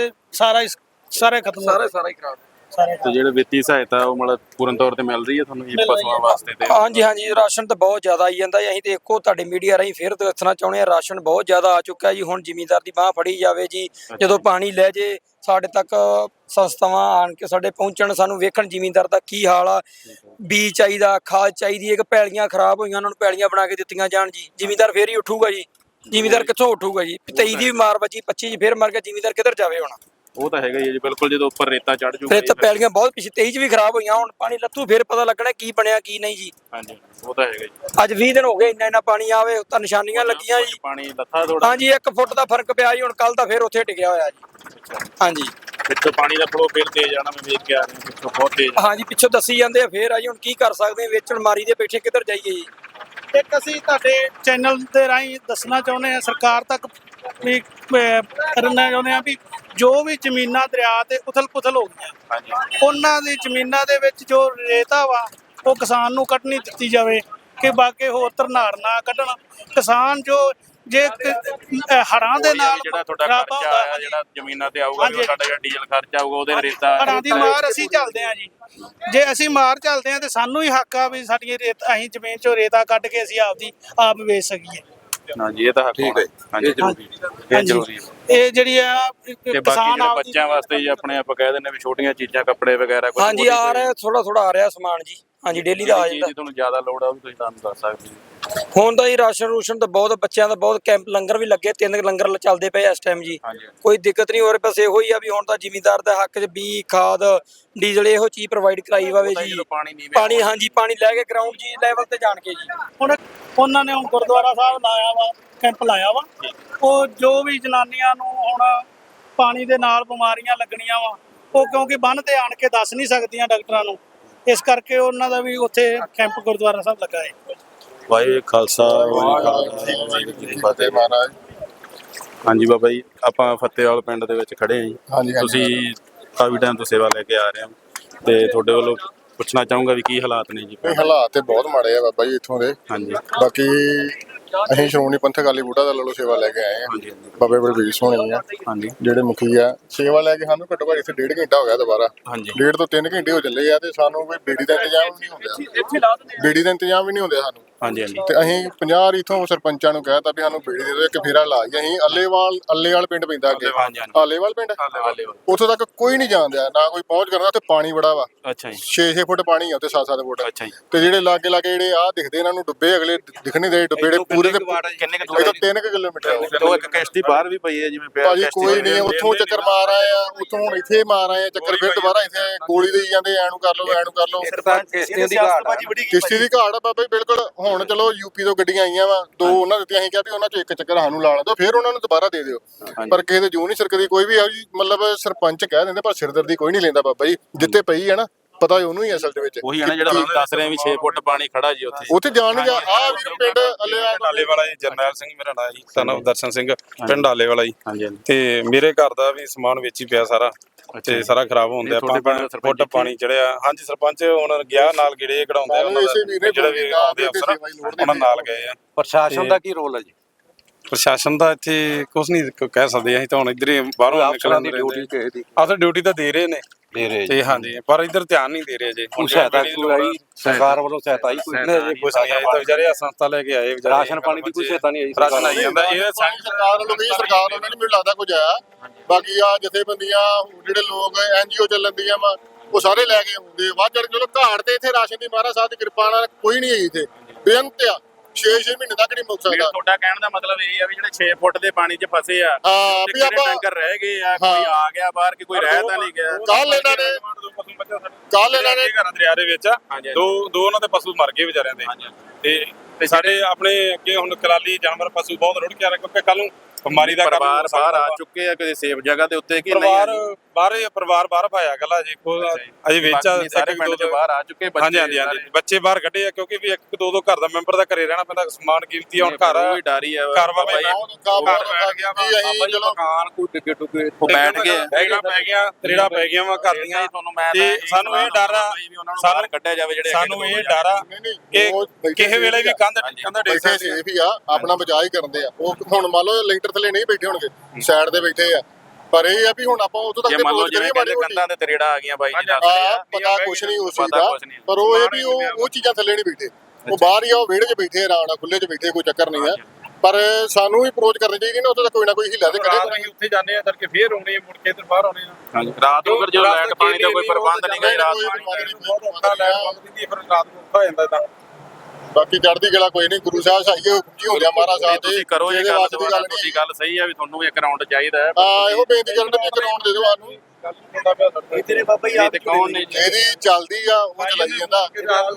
G: ਸਾਰੇ ਖਤਮ ਹੋ ਗਏ।
A: ਸਾਰਾ ਹੀ ਖਰਾਬ।
B: ਤੇ ਜਿਹੜੇ ਵਿੱਤੀ ਸਹਾਇਤਾ ਉਹ ਮਤਲਬ ਪੂਰਨ ਤੌਰ ਤੇ ਮਿਲ ਰਹੀ ਹੈ ਤੁਹਾਨੂੰ ਜੀ ਪਸ਼ੂਆਂ ਵਾਸਤੇ ਤੇ?
A: ਹਾਂਜੀ ਹਾਂਜੀ ਰਾਸ਼ਨ ਤਾਂ ਬਹੁਤ ਜ਼ਿਆਦਾ ਆਈ ਜਾਂਦਾ ਜੀ। ਅਸੀਂ ਦੇਖੋ ਤੁਹਾਡੇ ਮੀਡੀਆ ਰਾਹੀਂ ਫਿਰ ਦੱਸਣਾ ਚਾਹੁੰਦੇ ਹਾਂ ਰਾਸ਼ਨ ਬਹੁਤ ਜ਼ਿਆਦਾ ਆ ਚੁੱਕਾ ਜੀ। ਹੁਣ ਜ਼ਿਮੀਂਦਾਰ ਦੀ ਬਾਹ ਫੜੀ ਜਾਵੇ ਜੀ। ਜਦੋਂ ਪਾਣੀ ਲੈ ਜੇ ਸਾਡੇ ਤੱਕ ਸੰਸਥਾਵਾਂ ਆਣ ਕੇ ਸਾਡੇ ਪਹੁੰਚਣ ਸਾਨੂੰ ਵੇਖਣ ਜ਼ਿਮੀਂਦਾਰ ਦਾ ਕੀ ਹਾਲ ਆ। ਬੀਜ ਚਾਹੀਦਾ, ਖਾਦ ਚਾਹੀਦੀ ਹੈ ਕਿ ਪੈਲੀਆਂ ਖਰਾਬ ਹੋਈਆਂ ਉਹਨਾਂ ਨੂੰ ਪੈਲੀਆਂ ਬਣਾ ਕੇ ਦਿੱਤੀਆਂ ਜਾਣ ਜੀ। ਜ਼ਿਮੀਂਦਾਰ ਫੇਰ ਹੀ ਉੱਠੂਗਾ ਜੀ। ਜ਼ਿਮੀਂਦਾਰ ਕਿੱਥੋਂ ਉੱਠੂਗਾ ਜੀ? 23 ਦੀ ਵੀ ਮਾਰ ਵੱਜੀ 25 ਚ ਫੇਰ ਮਰ ਗਿਆ। ਜ਼ਿਮੀਂਦਾਰ ਕਿੱਧਰ ਜਾਵੇ ਹੁਣ?
B: ਉਹ ਤਾਂ ਹੈਗਾ ਹੀ ਹੈ ਜੀ ਬਿਲਕੁਲ। ਜਦੋਂ ਉੱਪਰ ਰੇਤਾ ਚੜ ਜੂਗਾ
A: ਫਿਰ ਤਾਂ ਪੈਲੀਆਂ ਬਹੁਤ ਪਿੱਛੇ 23 ਚ ਵੀ ਖਰਾਬ ਹੋਈਆਂ। ਹੁਣ ਪਾਣੀ ਲੱਥੂ ਫੇਰ ਪਤਾ ਲੱਗਣਾ ਕੀ ਬਣਿਆ ਕੀ ਨਹੀਂ ਜੀ।
B: ਹਾਂਜੀ ਉਹ ਤਾਂ ਹੈਗਾ ਜੀ।
A: ਅੱਜ 20 ਦਿਨ ਹੋ ਗਏ ਇੰਨਾ ਪਾਣੀ ਆਵੇ ਤਾਂ ਨਿਸ਼ਾਨੀਆਂ ਲੱਗੀਆਂ ਜੀ।
B: ਪਾਣੀ ਲੱਥਾ ਥੋੜਾ?
A: ਹਾਂਜੀ 1 ਫੁੱਟ ਦਾ ਫਰਕ ਪਿਆ ਜੀ। ਹੁਣ ਕੱਲ ਤਾਂ ਫੇਰ ਉੱਥੇ ਟਿਕਿਆ ਹੋਇਆ ਜੀ। ਹਾਂਜੀ
B: ਪਿੱਛੋਂ ਪਾਣੀ ਦਾ ਫਲੋ ਫੇਰ ਤੇਜ਼ ਆਣਾ। ਮੈਂ ਵੇਖ ਕੇ ਆ ਰਿਹਾ ਪਿੱਛੋਂ ਬਹੁਤ ਤੇਜ਼।
A: ਹਾਂਜੀ ਪਿੱਛੋਂ ਦੱਸੀ ਜਾਂਦੇ ਆ ਫੇਰ ਆ ਜੀ। ਹੁਣ ਕੀ ਕਰ ਸਕਦੇ ਆ? ਵੇਚਣ ਮਾਰੀ ਦੇ ਬੈਠੇ ਕਿੱਧਰ ਜਾਈਏ ਜੀ?
G: ਇੱਕ ਅਸੀਂ ਤੁਹਾਡੇ ਚੈਨਲ ਦੇ ਰਾਹੀਂ ਦੱਸਣਾ ਚਾਹੁੰਦੇ ਹਾਂ ਸਰਕਾਰ ਤੱਕ ਵੀ ਕਰਨਾ ਚਾਹੁੰਦੇ ਹਾਂ ਵੀ ਜੋ ਵੀ ਜ਼ਮੀਨਾਂ ਦਰਿਆ ਤੇ ਉਥਲ ਪੁਥਲ ਹੋ ਗਈਆਂ ਉਹਨਾਂ ਦੀ ਜ਼ਮੀਨਾਂ ਦੇ ਵਿੱਚ ਜੋ ਰੇਤਾ ਵਾ ਉਹ ਕਿਸਾਨ ਨੂੰ ਕੱਢਣੀ ਦਿੱਤੀ ਜਾਵੇ ਕਿ ਬਾਕੀ ਹੋਰ ਧਰਨਾੜ ਨਾ ਕੱਢਣ। ਕਿਸਾਨ ਜੋ ਜੇ ਹੜ੍ਹਾਂ ਦੇ ਨਾਲ
B: ਜਿਹੜਾ ਤੁਹਾਡਾ ਖਰਚਾ ਆਇਆ ਜਿਹੜਾ ਜ਼ਮੀਨਾਂ ਤੇ ਆਊਗਾ ਵੀ ਸਾਡਾ ਜਿਹੜਾ ਡੀਜ਼ਲ ਖਰਚਾ ਆਊਗਾ ਉਹਦੇ ਰੇਤਾ
G: ਹੜ੍ਹਾਂ ਦੀ ਮਾਰ ਅਸੀਂ ਝੱਲਦੇ ਹਾਂ ਜੀ। ਜੇ ਅਸੀਂ ਮਾਰ ਝੱਲਦੇ ਹਾਂ ਤੇ ਸਾਨੂੰ ਹੀ ਹੱਕ ਆ ਵੀ ਸਾਡੀਆਂ ਅਸੀਂ ਜ਼ਮੀਨ ਚੋਂ ਰੇਤਾ ਕੱਢ ਕੇ ਅਸੀਂ ਆਪ ਵੇਚ ਸਕੀਏ।
B: ਹਾਂਜੀ ਇਹ ਤਾਂ ਹੱਕ
F: ਠੀਕ ਹੈ।
B: ਹਾਂਜੀ ਇਹ ਜ਼ਰੂਰੀ ਹੈ।
G: ਇਹ ਜਿਹੜੀ ਆ
B: ਤੇ ਬਾਕੀ
G: ਕਿਸਾਨ
B: ਜਿਹੜੇ ਬੱਚਿਆਂ ਵਾਸਤੇ ਜੀ ਆਪਣੇ ਆਪਾਂ ਕਹਿ ਦਿੰਦੇ ਵੀ ਛੋਟੀਆਂ ਚੀਜ਼ਾਂ ਕੱਪੜੇ ਵਗੈਰਾ ਕੁਝ
A: ਹਾਂਜੀ ਆ ਰਿਹਾ ਥੋੜਾ ਆ ਰਿਹਾ ਸਮਾਨ ਜੀ। ਹਾਂਜੀ ਡੇਲੀ ਦਾ ਆ ਜਾਂਦਾ।
B: ਤੁਹਾਨੂੰ ਜ਼ਿਆਦਾ ਲੋੜ ਆ ਉਹ ਵੀ ਤੁਸੀਂ ਸਾਨੂੰ ਦੱਸ ਸਕਦੇ ਹੋ।
A: ਹੁਣ ਤਾਂ ਜੀ ਰਾਸ਼ਨ ਰੂਸ਼ਨ ਤਾਂ ਬਹੁਤ ਬੱਚਿਆਂ ਦਾ ਬਹੁਤ ਕੈਂਪ ਲੰਗਰ ਵੀ ਲੱਗੇ 3 ਲੰਗਰ ਚੱਲਦੇ ਪਏ ਇਸ ਟਾਈਮ ਜੀ। ਕੋਈ ਦਿੱਕਤ ਨਹੀਂ ਹੋ ਰਹੀ। ਬਸ ਇਹੋ ਹੀ ਆ ਵੀ ਹੁਣ ਤਾਂ ਜ਼ਿਮੀਂਦਾਰ ਦਾ ਹੱਕ 'ਚ ਬੀ ਖਾਦ ਡੀਜ਼ਲ ਇਹੋ ਚੀਜ਼ ਪ੍ਰੋਵਾਈਡ ਕਰਾਈ ਜਾਵੇ ਜੀ। ਪਾਣੀ ਹਾਂਜੀ ਪਾਣੀ ਲੈ ਕੇ ਗਰਾਊਂਡ ਜੀ ਲੈਵਲ ਤੇ ਜਾਣ ਕੇ ਜੀ।
G: ਹੁਣ ਉਹਨਾਂ ਨੇ ਗੁਰਦੁਆਰਾ ਸਾਹਿਬ ਲਾਇਆ ਵਾ ਕੈਂਪ ਲਾਇਆ ਵਾ। ਉਹ ਜੋ ਵੀ ਜਨਾਨੀਆਂ ਨੂੰ ਹੁਣ ਪਾਣੀ ਦੇ ਨਾਲ ਬਿਮਾਰੀਆਂ ਲੱਗਣੀਆਂ ਵਾ, ਉਹ ਕਿਉਂਕਿ ਬੰਨ ਤੇ ਆਣ ਕੇ ਦੱਸ ਨਹੀਂ ਸਕਦੀਆਂ ਡਾਕਟਰਾਂ ਨੂੰ, ਇਸ ਕਰਕੇ ਉਹਨਾਂ ਦਾ ਵੀ ਉੱਥੇ ਕੈਂਪ ਗੁਰਦੁਆਰਾ ਸਾਹਿਬ ਲੱਗਾ ਹੈ।
B: ਵਾਹਿਗੁਰੂ ਖਾਲਸਾ ਵਾਹਿਗੁਰੂ ਜੀ ਕੀ ਫਤਿਹ।
E: ਮਹਾਰਾਜ।
B: ਹਾਂਜੀ ਬਾਬਾ ਜੀ, ਆਪਾਂ ਫਤਿਹਵਾਲ ਪਿੰਡ ਦੇ ਵਿੱਚ ਖੜੇ ਹਾਂ ਜੀ।
E: ਹਾਂਜੀ
B: ਤੁਸੀਂ ਕਾਫੀ ਟਾਈਮ ਤੋਂ ਸੇਵਾ ਲੈ ਕੇ ਆ ਰਹੇ ਹੋ ਤੇ ਤੁਹਾਡੇ ਵੱਲੋਂ ਪੁੱਛਣਾ ਚਾਹੂੰਗਾ ਵੀ ਕੀ ਹਾਲਾਤ ਨੇ ਜੀ?
E: ਇਹ ਹਾਲਾਤ ਤੇ ਬਹੁਤ ਮਾੜੇ ਆ ਬਾਬਾ ਜੀ ਇੱਥੋਂ ਦੇ।
B: ਹਾਂਜੀ
E: ਬਾਕੀ ਅਸੀਂ ਸ਼੍ਰੋਮਣੀ ਪੰਥਕ ਅਕਾਲੀ ਬੂਟਾ ਦਾ ਲੱਲੋ ਸੇਵਾ ਲੈ ਕੇ ਆਏ ਆ।
B: ਹਾਂਜੀ
E: ਬਾਬੇ ਬਲਬੀਰ ਸੋਹਣੀ ਆ
B: ਹਾਂਜੀ
E: ਜਿਹੜੇ ਮੁਖੀ ਆ, ਸੇਵਾ ਲੈ ਕੇ ਸਾਨੂੰ ਘੱਟੋ ਘੱਟ ਇੱਥੇ 1.5 ਘੰਟਾ ਹੋ ਗਿਆ ਦੁਬਾਰਾ।
B: ਹਾਂਜੀ
E: 1.5 ਤੋਂ 3 ਘੰਟੇ ਹੋ ਚੱਲੇ ਆ ਤੇ ਸਾਨੂੰ ਕੋਈ ਬੇੜੀ ਦਾ ਇੰਤਜ਼ਾਮ ਵੀ ਨਹੀਂ ਹੁੰਦਾ। ਬੇੜੀ ਦਾ ਇੰਤਜ਼ਾਮ ਵੀ ਨਹੀਂ ਹੁੰਦਾ ਸਾਨੂੰ।
B: ਹਾਂਜੀ ਹਾਂਜੀ
E: ਤੇ ਅਸੀਂ 50 ਇਥੋਂ ਸਰਪੰਚਾਂ ਨੂੰ ਕਹਿਤਾ ਵੀ ਸਾਨੂੰ ਬੇੜੀ ਦੇ ਦਿਓ, ਇੱਕ ਫੇਰਾ ਲਾ ਜੀ। ਅਸੀਂ ਅੱਲੇਵਾਲ ਪਿੰਡ ਪੈਂਦਾ ਅੱਗੇ,
B: ਹਾਂਜੀ
E: ਆਲੇਵਾਲ ਪਿੰਡ, ਉੱਥੋਂ ਤੱਕ ਕੋਈ ਨਹੀਂ ਜਾਣਦਾ, ਨਾ ਕੋਈ ਪਹੁੰਚ ਕਰਦਾ। ਉੱਥੇ ਪਾਣੀ ਬੜਾ ਵਾ,
B: ਅੱਛਾ ਜੀ
E: 6-6 ਫੁੱਟ ਪਾਣੀ ਆ ਉੱਥੇ, 7-7 ਫੁੱਟ।
B: ਅੱਛਾ ਜੀ
E: ਤੇ ਜਿਹੜੇ ਲਾਗੇ ਜਿਹੜੇ ਆ ਦਿਖਦੇ ਇਹਨਾਂ ਨੂੰ ਡੁੱਬੇ, ਅਗਲੇ ਦਿਖ ਨਹੀਂ ਰਹੇ ਡੁੱਬੇ, ਜਿਹੜੇ ਪੂਰੇ ਦੇ
B: ਕਿੰਨੇ ਕੁ
E: ਇਹ ਤਾਂ 3 ਕਿਲੋਮੀਟਰ ਆ।
B: ਤੋਂ ਇੱਕ ਕਿਸ਼ਤੀ ਬਾਹਰ ਵੀ ਪਈ ਹੈ ਜਿਵੇਂ ਪਿਆ
E: ਭਾਜੀ ਕੋਈ ਨਹੀਂ, ਉੱਥੋਂ ਚੱਕਰ ਮਾਰ ਆਏ ਆ, ਉੱਥੋਂ ਹੁਣ ਇੱਥੇ ਮਾਰ ਆਏ ਆ ਚੱਕਰ, ਫਿਰ ਦੁਬਾਰਾ ਇੱਥੇ ਗੋਲੀ ਦੇਈ ਜਾਂਦੇ, ਐਨੂੰ ਕਰ ਲਓ ਐਨੂੰ ਕਰ ਲਓ।
B: ਕਿਸ਼ਤੀਆਂ ਦੀ ਘਾਟ
E: ਕਿਸ਼ਤੀ ਦੀ ਘਾਟ ਆ ਬਾਬਾ ਜੀ ਬਿਲਕੁਲ। ਹੁਣ ਚਲੋ ਯੂਪੀ ਤੋਂ ਗੱਡੀਆਂ ਆਈਆਂ ਵਾ, 2 ਉਹਨਾਂ ਦਿੱਤੀਆਂ, ਅਸੀਂ ਕਿਹਾ ਵੀ ਉਹਨਾਂ ਚੋਂ ਇੱਕ ਚੱਕਰ ਸਾਨੂੰ ਲਾ ਦਿਓ, ਫਿਰ ਉਹਨਾਂ ਨੂੰ ਦੁਬਾਰਾ ਦੇ ਦਿਓ। ਪਰ ਕਿਸੇ ਦੇ ਜੂ ਨਹੀਂ ਸਰਕਦੀ ਕੋਈ ਵੀ ਆ ਜੀ। ਮਤਲਬ ਸਰਪੰਚ ਕਹਿ ਦਿੰਦੇ ਪਰ ਸਿਰਦਰਦੀ ਕੋਈ ਨਹੀਂ ਲੈਂਦਾ ਬਾਬਾ ਜੀ। ਜਿੱਤੇ ਪਈ ਹੈ ਨਾ, ਪਤਾ ਉਹਨੂੰ ਹੀ ਅਸਲ ਦੇ ਵਿੱਚ।
B: ਉਹੀ ਹੈ ਨਾ ਜਿਹੜਾ ਤੁਸੀਂ ਦੱਸ ਰਹੇ ਵੀ 6 ਫੁੱਟ ਪਾਣੀ ਖੜਾ ਜੀ
E: ਉੱਥੇ ਜਾਣ ਨਹੀਂ ਜਾ। ਆ ਵੀ ਪਿੰਡ
F: ਡਾਲੇ ਵਾਲਾ ਜੀ, ਜਰਨੈਲ ਸਿੰਘ ਮੇਰਾ ਨਾਂ ਜੀ, ਸਨ ਦਰਸ਼ਨ ਸਿੰਘ, ਪਿੰਡ ਡਾਲੇ ਵਾਲਾ ਜੀ।
B: ਹਾਂਜੀ
F: ਤੇ ਮੇਰੇ ਘਰ ਦਾ ਵੀ ਸਮਾਨ ਵਿੱਚ ਹੀ ਪਿਆ ਸਾਰਾ, ਤੇ ਸਾਰਾ ਖਰਾਬ ਹੁੰਦਾ। ਫੁੱਟ ਪਾਣੀ ਚੜਿਆ। ਹਾਂਜੀ ਸਰਪੰਚ ਹੁਣ ਗਿਆ ਨਾਲ ਗੇੜੇ ਕਢਾਉਂਦੇ ਉਹਨਾਂ ਦਾ, ਜਿਹੜੇ ਵੀ ਆਉਂਦੇ ਅਫਸਰ ਉਹਨਾਂ ਨਾਲ ਗਏ ਆ।
H: ਪ੍ਰਸ਼ਾਸਨ ਦਾ ਕੀ ਰੋਲ ਹੈ ਜੀ?
F: ਪ੍ਰਸ਼ਾਸਨ ਦਾ ਇੱਥੇ ਕੁਝ ਨਹੀਂ ਕਹਿ ਸਕਦੇ ਅਸੀਂ ਤਾਂ, ਹੁਣ ਇੱਧਰ ਹੀ ਬਾਹਰੋਂ
H: ਅਫਸਰਾਂ ਦੀ ਡਿਊਟੀ ਕਿਸੇ ਦੀ
F: ਅਫਸਰ ਡਿਊਟੀ ਤਾਂ ਦੇ ਰਹੇ ਨੇ
H: ਦੇ ਰਹੇ
F: ਤੇ ਹਾਂਜੀ, ਪਰ ਇੱਧਰ ਧਿਆਨ ਨਹੀਂ ਦੇ ਰਹੇ ਜੇ।
H: ਕੋਈ ਸਹਾਇਤਾ ਕੋਈ ਆਈ ਸਰਕਾਰ ਵੱਲੋਂ ਸਹਾਇਤਾ ਆਈ ਕੋਈ?
F: ਕੁਝ ਨਹੀਂ ਆਇਆ ਤਾਂ ਵਿਚਾਰੇ ਆ ਸੰਸਥਾ ਲੈ ਕੇ ਆਏ ਵਿਚਾਰੇ।
H: ਰਾਸ਼ਨ ਪਾਣੀ ਦੀ ਕੋਈ ਸਹਾਇਤਾ ਨਹੀਂ ਆਈ?
F: ਰਾਸ਼ਨ ਆਈ ਜਾਂਦਾ ਇਹ
E: ਸਰਕਾਰ ਵੱਲੋਂ ਵੀ, ਸਰਕਾਰ ਵੱਲੋਂ ਨਹੀਂ ਮੈਨੂੰ ਲੱਗਦਾ ਕੁਝ ਆਇਆ। ਬਾਕੀ ਆ ਜਥੇਬੰਦੀਆਂ ਜਿਹੜੇ ਲੋਕ NGO ਚੱਲਦੀਆਂ ਵਾ, ਉਹ ਸਾਰੇ ਲੈ ਕੇ ਆਉਂਦੇ ਵੱਧ ਚੜ। ਚਲੋ ਘਾਟ ਤੇ ਇੱਥੇ ਰਾਸ਼ਨ ਦੀ ਮਹਾਰਾਜ ਸਾਹਿਬ ਦੀ ਕਿਰਪਾ ਨਾਲ ਕੋਈ ਨਹੀਂ ਆਈ ਇੱਥੇ, ਬੇਅੰਤ ਆ। 6 ਮਹੀਨੇ ਤੱਕ ਨਹੀਂ ਮੁੱਕ ਸਕਦਾ।
B: ਤੁਹਾਡਾ ਕਹਿਣ ਦਾ ਮਤਲਬ ਇਹ ਆ ਵੀ ਜਿਹੜੇ 6 ਫੁੱਟ ਦੇ ਪਾਣੀ 'ਚ ਫਸੇ ਆ,
E: ਹਾਂ ਵੀ
B: ਕਿਹੜੇ
E: ਆਪਾਂ
B: ਟੈਂਕਰ ਰਹਿ ਗਏ ਆ, ਕੋਈ ਆ ਗਿਆ ਬਾਹਰ ਕਿ ਕੋਈ ਰਹਿ ਤਾਂ ਨਹੀਂ ਗਿਆ।
E: ਕੱਲ ਇਹਨਾਂ ਨੇ
F: ਘਰਾਂ ਦਰਿਆ ਦੇ ਵਿੱਚ ਦੋ ਉਹਨਾਂ ਦੇ ਪਸ਼ੂ ਮਰ ਗਏ ਵਿਚਾਰਿਆਂ ਦੇ। ਤੇ ਸਾਡੇ ਆਪਣੇ ਅੱਗੇ ਹੁਣ ਕਲਾਲੀ ਜਾਨਵਰ ਪਸ਼ੂ ਬਹੁਤ ਰੁੜ ਕੇ ਆ ਰਹੇ, ਕਿਉਂਕਿ ਕੱਲ ਨੂੰ ਬਿਮਾਰੀ ਦਾ
B: ਪਰਿਵਾਰ ਬਾਹਰ ਆ ਚੁੱਕੇ ਆ ਕਿਸੇ ਸੇਫ ਜਗ੍ਹਾ ਦੇ ਉੱਤੇ ਕਿ
F: ਪਰਿਵਾਰ ਬਾਹਰ ਪਾਇਆ ਗੱਲਾਂ ਜੀ, ਅਜੇ ਵਿੱਚ
B: ਸਾਰੇ ਪਿੰਡ ਚ ਬਾਹਰ ਆ ਚੁੱਕੇ ਬੱਚੇ।
F: ਹਾਂਜੀ ਬੱਚੇ ਬਾਹਰ ਕੱਢੇ ਆ, ਕਿਉਂਕਿ ਵੀ 1-2 ਘਰ ਦਾ ਮੈਂਬਰ ਦਾ ਘਰੇ ਰਹਿਣਾ ਪੈਂਦਾ, ਸਮਾਨ ਕੀਮਤੀ ਹੁਣ ਘਰ
B: ਵੀ ਡਾਰੀ ਆ
F: ਘਰ ਵਾ ਬਈ
H: ਮਕਾਨ ਕੋਈ ਟਿੱਕੇ ਟੁਕੇ
B: ਬੈਠ ਗਏ,
F: ਤਰੇੜਾ ਪੈ ਗਿਆ ਵਾ ਘਰ ਦੀਆਂ। ਤੇ ਸਾਨੂੰ ਇਹ ਡਰ ਆ,
B: ਸਾਨੂੰ ਕੱਢਿਆ ਜਾਵੇ ਜਿਹੜੇ
F: ਸਾਨੂੰ ਇਹ ਡਰ ਆ ਕਿ ਕਿਸੇ ਵੇਲੇ ਵੀ ਕੰਧ ਡਿੱਗ
E: ਬੈਠੇ ਸੇਫ ਹੀ ਆ, ਆਪਣਾ ਬਚਾਅ ਹੀ ਕਰਦੇ ਆ। ਉਹ ਹੁਣ ਮੰਨ ਲਓ ਲੈਂਟਰ ਥੱਲੇ ਨਹੀਂ ਬੈਠੇ ਹੋਣਗੇ, ਸਾਈਡ ਤੇ ਬੈਠੇ ਆ। ਪਰ ਇਹ ਆ ਵੀ ਹੁਣ ਆਪਾਂ ਉਦੋਂ ਤੱਕ
B: ਜੇ ਮੰਨ ਲਓ ਜਿਵੇਂ ਕਹਿੰਦੇ ਕੰਧਾਂ ਤੇ ਤਰੇੜਾ ਆ ਗਈਆਂ ਬਾਈ ਜੀ ਨਾਲ,
E: ਪਤਾ ਕੁਛ ਨਹੀਂ ਉਸ ਚੀਜ਼ ਦਾ, ਪਰ ਉਹ ਇਹ ਵੀ ਉਹ ਚੀਜ਼ਾਂ ਥੱਲੇ ਨਹੀਂ ਬੈਠੇ, ਉਹ ਬਾਹਰ ਹੀ ਆ, ਉਹ ਵਿਹੜੇ 'ਚ ਬੈਠੇ, ਆਰਾਮ ਨਾਲ ਖੁੱਲੇ 'ਚ ਬੈਠੇ, ਕੋਈ ਚੱਕਰ ਨਹੀਂ ਆ। ਪਰ ਸਾਨੂੰ ਵੀ ਅਪਰੋਚ ਕਰਨੀ ਚਾਹੀਦੀ ਨਾ, ਉੱਥੇ ਤਾਂ ਕੋਈ ਨਾ ਕੋਈ ਹੀਲਾ ਤੇ ਕਰੇ।
F: ਅਸੀਂ ਉੱਥੇ ਜਾਂਦੇ ਆ ਤੜਕੇ ਫੇਰ ਆਉਣੇ, ਮੁੜ ਕੇ ਇੱਧਰ ਬਾਹਰ ਆਉਣੇ ਆ।
B: ਰਾਤ ਨੂੰ ਫਿਰ ਜਦੋਂ ਲਾਈਟ ਪਾਣੀ ਦਾ ਕੋਈ ਪ੍ਰਬੰਧ ਨਹੀਂ ਗਾ, ਰਾਤ ਨੂੰ
F: ਫਿਰ ਰਾਤ ਨੂੰ ਹੋ ਜਾਂਦਾ ਤਾਂ।
E: ਬਾਕੀ ਚੜ੍ਹਦੀ ਕਲਾ ਕੋਈ ਨਹੀਂ, ਗੁਰੂ ਸਾਹਿਬ ਸਹਾਈਏ, ਹੁਕਮ ਜੀ ਹੁੰਦੇ ਆ ਮਹਾਰਾਜ ਸਾਹਿਬ ਦੇ।
B: ਤੁਸੀਂ ਕਰੋ ਇਹ ਗੱਲ, ਤੁਹਾਡੀ ਗੱਲ ਸਹੀ ਆ ਵੀ ਤੁਹਾਨੂੰ ਵੀ ਇੱਕ ਰਾਉਂਡ ਚਾਹੀਦਾ ਹੈ।
E: ਹਾਂ ਇਹੋ ਬੇਨਤੀ ਕਰਨ ਦੇ ਇੱਕ ਰਾਉਂਡ ਦੇ ਦਿਓ ਸਾਨੂੰ।
H: ਤੇਰੇ ਬਾਬਾ ਜੀ
B: ਤੇ ਕੌਣ ਨੇ
E: ਜਿਹੜੀ ਚੱਲਦੀ ਆ ਉਹ ਚਲਾਈ ਜਾਂਦਾ।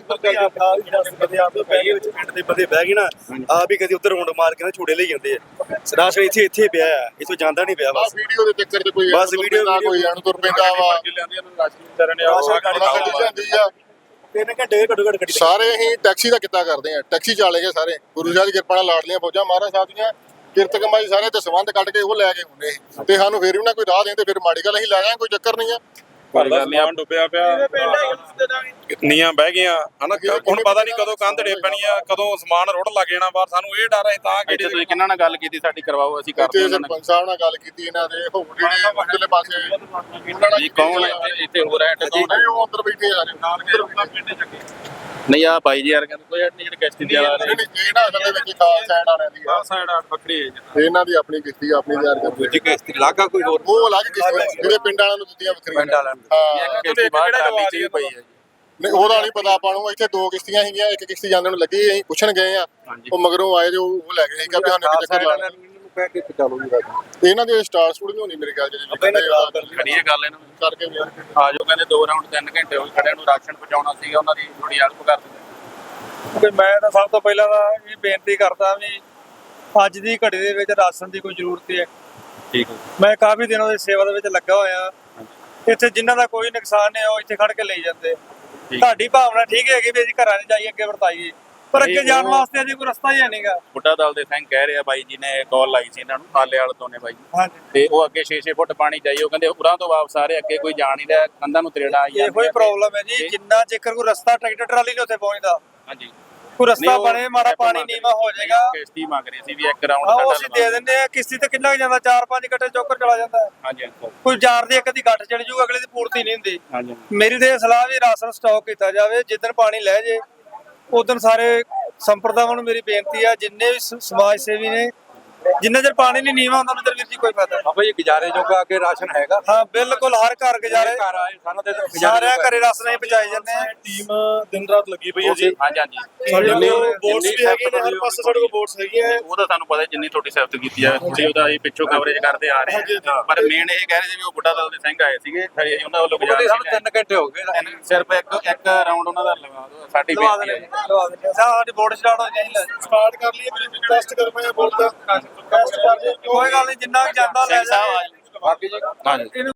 H: ਪਿੰਡ ਦੇ ਬੰਦੇ ਬਹਿ ਗਏ ਨਾ, ਆ ਵੀ ਕਦੀ ਉੱਧਰ ਰੌਂਡ ਮਾਰ ਕੇ ਨਾ ਝੂੜੇ ਲਈ ਜਾਂਦੇ ਆ। ਰਾਸ਼ਨ ਇੱਥੇ ਪਿਆ ਆ, ਇਥੋਂ ਜਾਂਦਾ ਨਹੀਂ ਪਿਆ। ਬਸ
E: ਵੀਡੀਓ ਦੇ ਚੱਕਰ 'ਚ ਕੋਈ
H: ਬਸ ਵੀਡੀਓ
E: ਨਾ ਕੋਈ ਐਨ ਤੁਰ ਪੈਂਦਾ ਵਾ। ਜਾਂਦੀ ਆ
H: 3 ਘੰਟੇ ਘੱਟੋ ਘੱਟ ਗੱਡੀ
E: ਸਾਰੇ ਅਸੀਂ ਟੈਕਸੀ ਦਾ ਕਿੱਤਾ ਕਰਦੇ ਆ, ਟੈਕਸੀ ਚਾਲੇ ਗਏ ਸਾਰੇ। ਗੁਰੂ ਸਾਹਿਬ ਦੀ ਕਿਰਪਾ ਨਾਲ ਲਾਡਲੀਆਂ ਫੌਜਾਂ ਮਹਾਰਾਜ ਸਾਹਿਬ ਦੀਆਂ ਕਿਰਤ ਕਮਾਈ ਸਾਰੇ ਤੇ ਸੰਬੰਧ ਕੱਢ ਕੇ ਉਹ ਲੈ ਕੇ ਹੁੰਦੇ ਸੀ। ਤੇ ਸਾਨੂੰ ਫਿਰ ਵੀ ਨਾ ਕੋਈ ਰਾਹ ਦੇਣ ਤੇ ਫਿਰ ਮਾੜੀ ਗੱਲ, ਅਸੀਂ ਲੈ ਜਾਾਂਗੇ, ਕੋਈ ਚੱਕਰ ਨਹੀਂ ਆ।
F: ਸਮਾਨ ਡੁੱਬਿਆ ਪਿਆ, ਨੀਆਂ ਬਹਿ ਗਈਆਂ ਹਨਾ। ਹੁਣ ਪਤਾ ਨਹੀਂ ਕਦੋਂ ਕੰਧ ਡੇ ਪੈਣੀ ਆ, ਕਦੋਂ ਸਮਾਨ ਰੁੜ ਲੱਗ ਜਾਣਾ ਬਾਹਰ। ਸਾਨੂੰ ਇਹ ਡਰ ਹੈ ਤਾਂ ਕਿ
B: ਤੁਸੀਂ ਕਿਹਨਾਂ ਨਾਲ ਗੱਲ ਕੀਤੀ ਸਾਡੀ ਕਰਵਾਓ, ਅਸੀਂ ਕਰਦੇ
E: ਤੇ
B: ਉਹਨਾਂ
E: ਸਰਪੰਚ ਸਾਹਿਬ ਨਾਲ ਗੱਲ ਕੀਤੀ ਇਹਨਾਂ ਦੇ, ਹੋਰ ਜਿਹੜੇ ਉਧਰਲੇ ਪਾਸੇ
B: ਜੀ ਕੌਣ ਇੱਥੇ ਹੋ ਰਿਹਾ
E: ਨਹੀਂ, ਉਹ ਅੰਦਰ ਬੈਠੇ ਆ
B: ਨਹੀਂ ਆ ਬਾਈ ਜੀ ਯਾਰ ਕਹਿੰਦੇ ਕੋਈ ਨਹੀਂ, ਜਿਹੜੇ ਕਿਸ਼ਤੀ ਦੀ ਵਾਲਾ
E: ਇਹ ਨਾ ਅਸਲ ਦੇ ਵਿੱਚ ਖਾਸ ਸਾਈਡ ਵਾਲਿਆਂ ਦੀ ਆ,
F: ਸਾਈਡ ਵੱਖਰੀ ਹੈ
E: ਤੇ ਇਹਨਾਂ ਦੀ ਆਪਣੀ ਕਿਸ਼ਤੀ ਆਪਣੀ ਤਿਆਰ ਕਰਦੇ।
H: ਦੂਜੀ ਕਿਸ਼ਤੀ ਲਾਗਾ ਕੋਈ ਹੋਰ
E: ਉਹ ਅਲੱਗ ਕਿਸ਼ਤੀ ਜਿਹੜੇ ਪਿੰਡ ਵਾਲਿਆਂ ਨੂੰ ਦਿੱਤੀਆਂ ਵੱਖਰੀਆਂ।
H: ਪਿੰਡ ਵਾਲਿਆਂ ਨੂੰ
E: ਹਾਂ
B: ਇੱਕ ਕਿਸ਼ਤੀ ਬਾਹਰ ਟਰਾਲੀ 'ਚ ਵੀ ਪਈ ਹੈ ਜੀ।
E: ਨਹੀਂ ਉਹਦਾ ਨਹੀਂ ਪਤਾ ਆਪਾਂ ਨੂੰ। ਇੱਥੇ 2 ਕਿਸ਼ਤੀਆਂ ਸੀਗੀਆਂ, ਇੱਕ ਕਿਸ਼ਤੀ ਜਾਂਦੇ ਨੂੰ ਲੱਗੀ, ਅਸੀਂ ਪੁੱਛਣ ਗਏ ਆ, ਉਹ ਮਗਰੋਂ ਆਏ ਜੋ ਉਹ ਲੈ ਗਏ ਸੀ ਕਿ ਸਾਨੂੰ ਇੱਕ ਚੱਕਰ ਲਾ ਇਹਨਾਂ ਦੇ ਸਟਾਰ ਸਟੂਡ ਨਹੀਂ ਹੋਣੀ ਮੇਰੇ ਖਿਆਲ
B: ਖੜੀਏ ਗੱਲ ਇਹਨਾਂ ਨੂੰ
E: ਕਰਕੇ
B: ਆ ਜੋ ਕਹਿੰਦੇ 2 ਰਾਉਂਡ 3 ਘੰਟੇ ਹੋ ਗਏ ਖੜਿਆਂ ਨੂੰ, ਰਾਸ਼ਨ ਪਹੁੰਚਾਉਣਾ ਸੀਗਾ, ਉਹਨਾਂ ਦੀ ਥੋੜੀ ਹੈਲਪ ਕਰ ਦਿੰਦੇ।
I: ਕਿ ਮੈਂ ਤਾਂ ਸਭ ਤੋਂ ਪਹਿਲਾਂ ਤਾਂ ਇਹ ਬੇਨਤੀ ਕਰਦਾ ਵੀ ਅੱਜ ਦੀ ਘੜੀ ਦੇ ਵਿੱਚ ਰਾਸ਼ਨ ਦੀ ਕੋਈ ਜ਼ਰੂਰਤ ਹੈ।
B: ਠੀਕ ਹੈ
I: ਮੈਂ ਕਾਫੀ ਦਿਨਾਂ ਦੀ ਸੇਵਾ ਦੇ ਵਿੱਚ ਲੱਗਾ ਹੋਇਆ। ਇੱਥੇ ਜਿਨ੍ਹਾਂ ਦਾ ਕੋਈ ਨੁਕਸਾਨ ਨਹੀਂ ਉਹ ਇੱਥੇ ਖੜ ਕੇ ਲਈ ਜਾਂਦੇ। ਤੁਹਾਡੀ ਭਾਵਨਾ ਠੀਕ ਹੈਗੀ ਵੀ ਅਸੀਂ ਘਰਾਂ 'ਚ ਜਾਈਏ ਅੱਗੇ ਵਰਤਾਈਏ, ਪਰ ਅੱਗੇ ਜਾਣ ਵਾਸਤੇ ਅਜੇ ਕੋਈ ਰਸਤਾ ਹੀ ਹੈ ਨਹੀਂਗਾ।
B: ਬੁੱਢਾ ਦਲ ਦੇ ਸਿੰਘ ਕਹਿ ਰਿਹਾ ਬਾਈ ਜੀ ਨੇ ਕਾਲ ਲਾਈ ਸੀ ਇਹਨਾਂ ਨੂੰ ਹਾਲੇ ਵਾਲੇ ਤੋਂ ਨੇ ਬਾਈ
I: ਹਾਂਜੀ,
B: ਤੇ ਉਹ ਅੱਗੇ 6-6 ਫੁੱਟ ਪਾਣੀ ਜਾਈ, ਉਹ ਕਹਿੰਦੇ ਉਰਾਂ ਤੋਂ ਵਾਪਸ ਆ ਰਹੇ, ਅੱਗੇ ਕੋਈ ਜਾ ਨਹੀਂ ਰਿਹਾ, ਕੰਧਾਂ ਨੂੰ ਤਰੇੜਾ ਆਈ
I: ਇਹੋ ਹੀ ਪ੍ਰੋਬਲਮ ਹੈ ਜੀ। ਜਿੰਨਾ ਚਿਰ ਕੋਈ ਰਸਤਾ ਟਰੈਕਟਰ ਟਰਾਲੀ ਨਹੀਂ ਉੱਥੇ ਪਹੁੰਚਦਾ,
B: ਹਾਂਜੀ
I: ਕੋਈ ਰਸਤਾ ਬਣੇ, ਮਾੜਾ ਪਾਣੀ ਨੀਵਾ ਹੋ ਜਾਏਗਾ।
B: ਕਿਸ਼ਤੀ ਮੰਗ ਰਹੀ ਸੀ ਵੀ ਇੱਕ ਰਾਉਂਡ
I: ਉਹ ਅਸੀਂ ਦੇ ਦਿੰਦੇ ਆ। ਕਿਸ਼ਤੀ ਤੇ ਕਿੰਨਾ ਕੁ ਜਾਂਦਾ, 4-5 ਗੱਟੇ ਚੋਕਰ ਚਲਾ ਜਾਂਦਾ।
B: ਹਾਂਜੀ
I: ਕੋਈ ਜਾਰ ਦੀ ਇੱਕ ਦੀ ਗੱਠ ਚੜ ਜੂ, ਅਗਲੇ ਦੀ ਪੂਰਤੀ ਨਹੀਂ ਹੁੰਦੀ।
B: ਹਾਂਜੀ
I: ਮੇਰੀ ਤੇ ਇਹ ਸਲਾਹ ਵੀ ਰਾਸ਼ਨ ਸਟਾਕ ਕੀਤਾ ਜਾਵੇ। ਜਿੱਦਣ ਪਾਣੀ ਲੈ ਜੇ ਉਦੋਂ ਸਾਰੇ ਸੰਪਰਦਾਵਾਂ ਨੂੰ ਮੇਰੀ ਬੇਨਤੀ ਆ, ਜਿੰਨੇ ਵੀ ਸਮਾਜ ਸੇਵੀ ਨੇ, ਜਿੰਨਾ ਚਿਰ ਪਾਣੀ ਨਹੀਂ ਨੀਵਾ ਹੁੰਦਾ ਉਹਨਾਂ ਚਿਰ ਵੀਰ ਜੀ ਕੋਈ ਫਾਇਦਾ ਨਹੀਂ।
J: ਭਾਈ ਗੁਜ਼ਾਰੇ ਜੋਗਾ ਅੱਗੇ ਰਾਸ਼ਨ ਹੈਗਾ।
I: ਹਾਂ ਬਿਲਕੁਲ, ਹਰ ਘਰ ਗੁਜ਼ਾਰੇ,
J: ਘਰ ਆਏ ਸਾਨੂੰ ਤੇ
I: ਸਾਰਿਆਂ ਘਰੇ ਰਾਸ਼ਨ ਹੀ ਪਹੁੰਚਾਈ ਜਾਂਦੇ ਆ।
H: ਟੀਮ ਦਿਨ ਰਾਤ ਲੱਗੀ ਪਈ ਹੈ ਜੀ।
B: ਹਾਂਜੀ
H: ਸਾਡੇ ਕੋਲ ਬੋਟਸ ਵੀ ਹੈਗੇ ਨੇ, ਹਰ ਪਾਸੇ ਸਾਡੇ ਕੋਲ ਬੋਟਸ ਹੈਗੀਆਂ।
B: ਉਹ ਤਾਂ ਸਾਨੂੰ ਪਤਾ ਜਿੰਨੀ ਤੁਹਾਡੀ ਸਿਫਤ ਕੀਤੀ ਆ, ਤੁਸੀਂ ਉਹਦਾ ਅਸੀਂ ਪਿੱਛੋਂ ਕਵਰੇਜ ਕਰਦੇ ਆ ਰਹੇ ਹਾਂ, ਪਰ ਮੇਨ ਇਹ ਕਹਿ ਰਹੇ ਸੀ ਵੀ ਉਹ ਬੁੱਢਾ ਦਲ ਦੇ ਸਿੰਘ ਆਏ ਸੀਗੇ, ਉਹਨਾਂ ਵੱਲੋਂ ਗੁਜ਼ਾਰਿਸ਼
J: ਸਾਨੂੰ 3 ਘੰਟੇ ਹੋ ਗਏ।
B: ਸਿਰਫ ਇੱਕ ਰਾਉਂਡ ਉਹਨਾਂ ਦਾ ਲਗਾ ਦਿਓ, ਸਾਡੀ
I: ਲਵਾ
B: ਬੇਨਤੀ
I: ਦਿੰਦੇ
B: ਹੈ।
I: ਲਵਾ ਦਿੰਦੇ ਸਾਡੀ ਬੋਰਡ ਸਟਾਰਟ ਹੋ ਜਾਈਏ।
H: ਸਟਾਰਟ ਕਰ ਲਈਏ ਫਿਰ ਟੈਸਟ ਕਰ ਪਾਏ ਬੋਲ ਦਾ ਟੈਸਟ ਕਰ ਲਈਏ।
I: ਕੋਈ ਗੱਲ ਨਹੀਂ, ਜਿੰਨਾ ਕੁ ਜਾਂਦਾ ਲੈ
B: ਸਿੰਘ ਸਾਹਿਬ
I: ਜਾ।
B: ਆ ਜਾਓ।
J: ਬਾਕੀ ਜੀ
B: ਹਾਂਜੀ